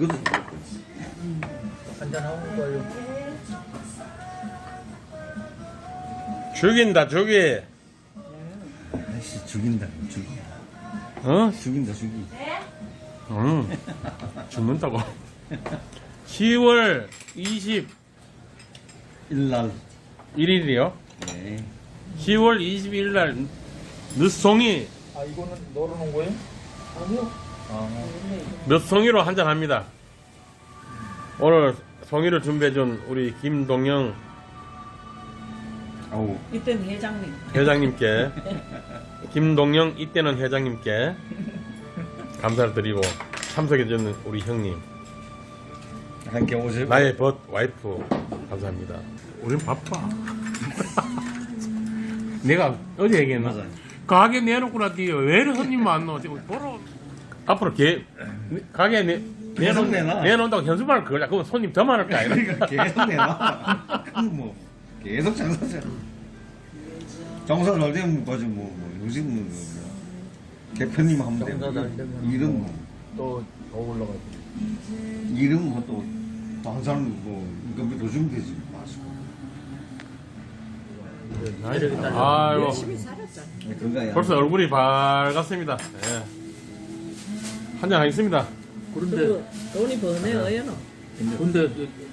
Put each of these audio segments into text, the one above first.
그것도 한잔하고 가요. 죽인다 죽이. 아이씨 죽인다 죽이. 어? 죽인다 죽이. 죽는다고. 10월 일날. 21일이요. 네. 10월 21일 날 늦송이 아 이거는 널어놓은 거예요? 아니요. 아 몇 송이로 한잔 합니다. 오늘 송이를 준비해준 우리 김동영 아우. 이때는 회장님. 회장님께, 김동영 이때는 회장님께 감사를 드리고 참석해주는 우리 형님, 함께 오세요. 나의 벗 와이프 감사합니다. 우린 바빠. 내가 어제 얘기했나? 맞아요. 가게 내놓고 나뒤 왜 이렇게 손님 안 나와? 지금 보러 앞으로 가게 계속 내놔. 내놓는다고 현수막을 그걸라. 그러면 손님 더 많을 거 아니야? 그러니까 계속 내놔. 뭐 계속 장사죠. 장사 잘 되면 가지 뭐 요즘은 대표님 하면 되고 장사 잘 되면 이름 뭐 또더 올라가죠. 이름 뭐또 방사는 뭐 이거 더 주면 되지 마시고. 아이고 열심히 살았잖아. 그거야. 벌써 얼굴이 밝았습니다. 예. 한잔 하겠습니다. 그런데 돈이 버네 어여노. 근데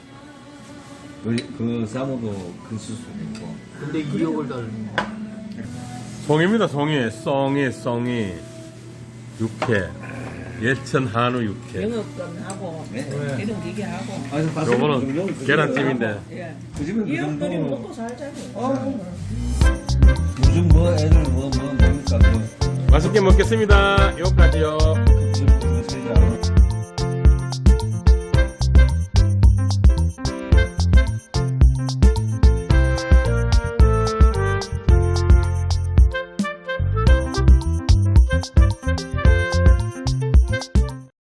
그 사모도 큰 수수 있고. 근데 2억을 달는 송입니다. 송이 육회 예천 한우 육회. 영업권하고 네. 이런 기계하고. 요거는 계란찜인데 예. 그 집은 그 이 형들이 정도. 먹고 살잖아요. 요즘 뭐 애들 뭐 먹을까 뭐. 맛있게 먹겠습니다. 여기까지요.